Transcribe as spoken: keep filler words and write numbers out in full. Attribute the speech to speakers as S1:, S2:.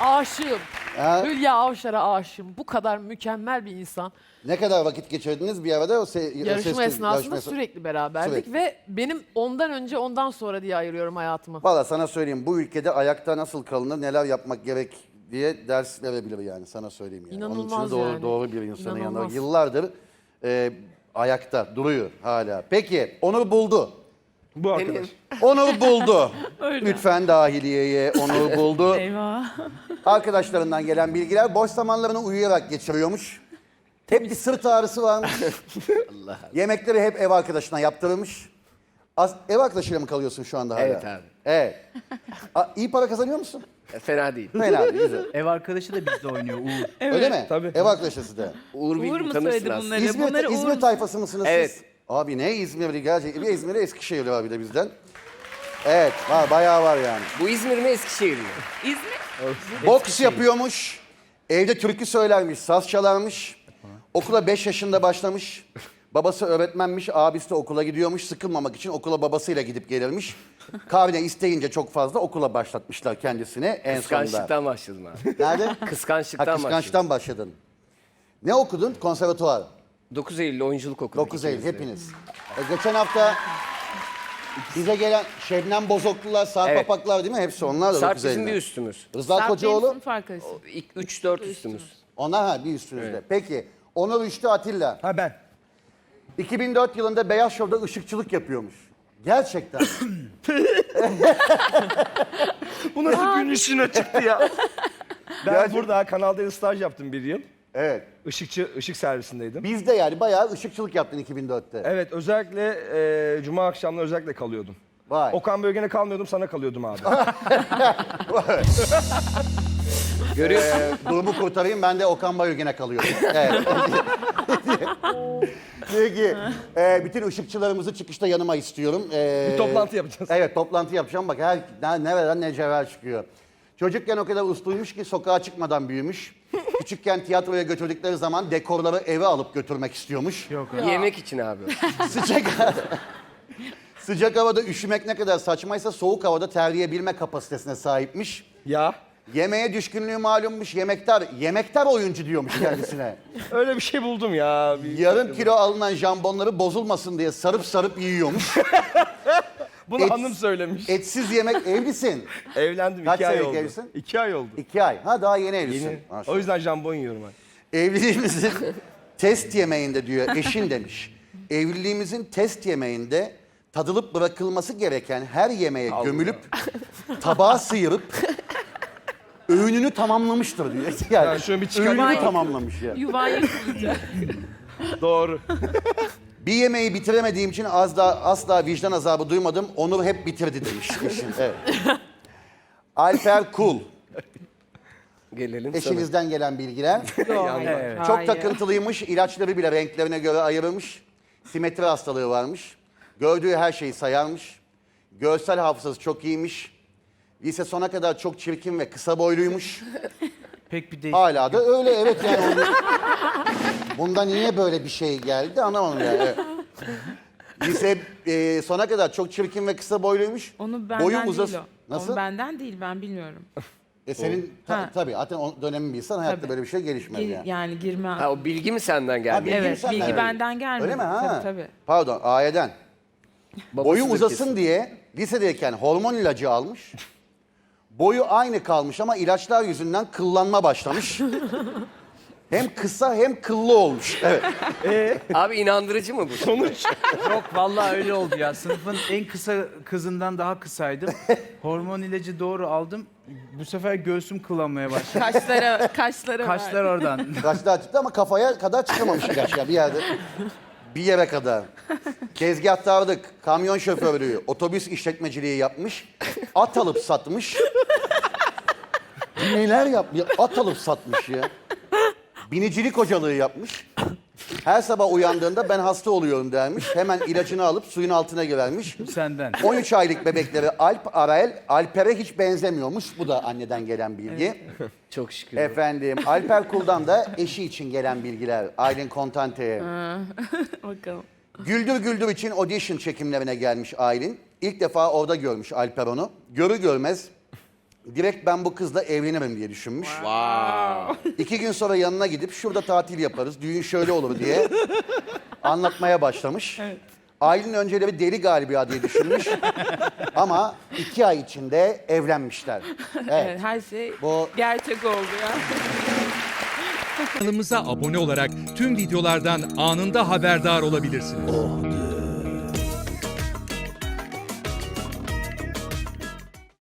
S1: Aşığım.
S2: Ha?
S1: Hülya Avşar'a aşığım. Bu kadar mükemmel bir insan.
S2: Ne kadar vakit geçirdiniz bir arada? O se
S1: Yarışma
S2: o ses-
S1: esnasında
S2: yarışma-
S1: sürekli beraberdik
S2: Sürekli.
S1: ve benim ondan önce ondan sonra diye ayırıyorum hayatımı.
S2: Valla sana söyleyeyim, bu ülkede ayakta nasıl kalınır, neler yapmak gerek diye ders verebilir yani, sana söyleyeyim yani. Onun
S1: İnanılmaz
S2: için doğru,
S1: yani.
S2: doğru bir insanın yanında.
S1: İnanılmaz.
S2: Yıllardır e, ayakta duruyor hala. Peki, Onur buldu.
S3: Bu arkadaş.
S2: Onur buldu. Lütfen dahiliyeye Onur buldu.
S4: Eyvah.
S2: Arkadaşlarından gelen bilgiler, boş zamanlarını uyuyarak geçiriyormuş. Hep bir sırt ağrısı varmış. Yemekleri hep ev arkadaşına yaptırılmış. Az, ev arkadaşıyla mı kalıyorsun şu anda hala?
S5: Evet abi.
S2: Evet. A, iyi para kazanıyor musun?
S5: E, Fena değil.
S2: Fena değil, güzel.
S6: Ev arkadaşı da bizde oynuyor Uğur.
S2: Öyle mi?
S3: Tabii.
S2: Ev arkadaşısı da.
S5: Uğur,
S4: Uğur
S5: Bilgin
S4: mu
S5: tanırsın
S4: söyledi
S5: aslında.
S4: bunları?
S2: İzmir,
S4: Bunları
S2: İzmir
S4: Uğur-
S2: tayfası mısınız
S5: Evet.
S2: siz? Abi ne İzmirli gerçekten. Bir İzmir'e Eskişehirli var bir de bizden. Evet, var, bayağı var yani.
S5: Bu İzmir mi Eskişehir mi?
S4: İzmir.
S2: Boks yapıyormuş. Evde türkü söylermiş, saz çalarmış. Okula beş yaşında başlamış. Babası öğretmenmiş, abisi de okula gidiyormuş. Sıkılmamak için okula babasıyla gidip gelirmiş. Kahvene isteyince çok fazla okula başlatmışlar kendisine en sonunda.
S5: Kıskançlıktan başladım abi.
S2: Nerede? Ha,
S5: Kıskançlıktan başladım.
S2: kıskançtan başladın. Ne okudun? Konservatuvar.
S5: dokuz Eylül oyunculuk okuduk.
S2: dokuz Eylül
S5: ikimiz de.
S2: hepiniz. E, geçen hafta bize gelen Şebnem Bozoklular, Sarp
S5: Evet.
S2: Apaklar değil mi? Hepsi onlar da
S5: Sarp
S2: dokuz
S5: bizim
S2: Eylül'de.
S5: bir üstümüz.
S2: Rıza
S4: Sarp benim
S2: Kocaoğlu,
S4: sınıf arkadaşım.
S5: İlk üç dört üstümüz.
S2: onlar ha bir üstünüzde. Peki, Onur Üçlü Atilla.
S3: Ha ben.
S2: iki bin dört yılında Beyaz Show'da ışıkçılık yapıyormuş. Gerçekten.
S3: Bu nasıl gün işine çıktı ya? Ben burada Kanal D'de staj yaptım bir yıl.
S2: Evet.
S3: Işıkçı, ışık servisindeydim.
S2: Biz de yani bayağı ışıkçılık yaptın iki bin dörtte.
S3: Evet, özellikle e, cuma akşamları özellikle kalıyordum.
S2: Vay.
S3: Okan Bölgen'e kalmıyordum, sana kalıyordum abi.
S5: Görüyorsun.
S2: Ee, durumu kurtarayım, ben de Okan Bayülgen'e kalıyorum. Evet. Peki, e, bütün ışıkçılarımızı çıkışta yanıma istiyorum. Ee,
S3: Bir toplantı yapacağız.
S2: Evet, toplantı yapacağım. Bak her ne- nereden ne cevher çıkıyor. Çocukken o kadar usluymuş ki sokağa çıkmadan büyümüş. Küçükken tiyatroya götürdükleri zaman dekorları eve alıp götürmek istiyormuş.
S6: Yok.
S5: Yemek için abi.
S2: Sıcak Sıcak havada üşümek ne kadar saçmaysa soğuk havada terleyebilme kapasitesine sahipmiş.
S3: Ya,
S2: Yemeğe düşkünlüğü malummuş. Yemektar, yemektar oyuncu diyormuş kendisine.
S3: öyle bir şey buldum ya. Bir-
S2: Yarım kilo alınan jambonları bozulmasın diye sarıp sarıp yiyormuş.
S3: Bunu
S2: Et-
S3: hanım söylemiş.
S2: Etsiz yemek, evlisin.
S3: Evlendim,
S2: Kaç
S3: iki ay
S2: senelik
S3: oldu.
S2: evlisin?
S3: İki ay oldu.
S2: İki ay. Ha daha yeni evlisin.
S3: Yeni.
S2: Maşallah.
S3: O yüzden jambon yiyorum ben.
S2: Evliliğimizin test yemeğinde diyor eşin demiş. Evliliğimizin test yemeğinde tadılıp bırakılması gereken her yemeğe gömülüp tabağa sıyırıp öğününü tamamlamıştır diyor. Yani,
S3: Yani şöyle bir çıkarayım.
S2: öğününü tamamlamış ya.
S4: Yuvan yıkılacak.
S3: Doğru.
S2: Bir yemeği bitiremediğim için az daha asla vicdan azabı duymadım. Onur hep bitirdi demiş eşin. Evet. Alper Kul.
S5: Gelelim sana.
S2: Eşinizden gelen bilgiler.
S6: Evet.
S2: Çok
S4: Hayır.
S2: takıntılıymış. İlaçları bile renklerine göre ayırmış. Simetri hastalığı varmış. Gördüğü her şeyi sayarmış. Görsel hafızası çok iyiymiş. Lise sona kadar çok çirkin ve kısa boyluymuş.
S6: Pek bir değişik.
S2: Hala da öyle, evet yani. Onu... Bundan niye böyle bir şey geldi anlamadım yani. Evet. Lise e, sona kadar çok çirkin ve kısa boyluymuş.
S4: Onu benden
S2: Boyun
S4: değil
S2: uzas-
S4: o.
S2: Nasıl?
S4: Onu benden değil, ben bilmiyorum.
S2: E senin ta-
S4: Ha.
S2: tabii zaten o dönemin bir insan hayatta
S4: Tabii.
S2: böyle bir şey gelişmez
S4: Gir-
S2: yani.
S4: yani girmem.
S5: Ha, o bilgi mi senden
S2: Ha,
S5: geldi?
S2: bilgi
S4: Evet,
S2: senden
S4: bilgi
S2: öyle.
S4: benden gelmedi.
S2: Öyle mi? Ha.
S4: Tabii tabii.
S2: Pardon, Aye'den. Boyu
S5: Babasıdır
S2: uzasın
S5: kesin.
S2: diye lisedeyken hormon ilacı almış. Boyu aynı kalmış ama ilaçlar yüzünden kıllanma başlamış. Hem kısa hem kıllı olmuş. Evet.
S5: Abi inandırıcı mı bu? Sonuç.
S6: Yok vallahi öyle oldu ya. Sınıfın en kısa kızından daha kısaydım. Hormon ilacı doğru aldım. Bu sefer göğsüm kılanmaya başladı.
S4: Kaşlara, kaşlara
S6: Kaşlar
S4: var.
S6: oradan.
S2: Kaçlar çıktı ama kafaya kadar çıkamamış ilaç ya bir yerde. Bir yere kadar. Tezgahtarlık, kamyon şoförlüğü, otobüs işletmeciliği yapmış. At alıp satmış. Neler yapmış? At alıp satmış ya. Binicilik hocalığı yapmış. Her sabah uyandığında ben hasta oluyorum dermiş. Hemen ilacını alıp suyun altına girermiş.
S6: Senden.
S2: on üç aylık bebekleri Alp Arael, Alper'e hiç benzemiyormuş. Bu da anneden gelen bilgi.
S5: Çok şükür.
S2: Efendim, Alper Kul'dan da eşi için gelen bilgiler. Aylin Kontante'ye.
S4: Bakalım.
S2: Güldür Güldür için audition çekimlerine gelmiş Aylin. İlk defa orada görmüş Alper onu. Görü görmez direkt ben bu kızla evlenirim diye düşünmüş. İki gün sonra yanına gidip şurada tatil yaparız, düğün şöyle olur diye anlatmaya başlamış. Aylin önceleri deli galiba diye düşünmüş. Ama iki ay içinde evlenmişler. Evet.
S4: Evet, her şey
S2: Bu
S4: gerçek oldu ya.
S7: Kanalımıza abone olarak tüm videolardan anında haberdar olabilirsiniz.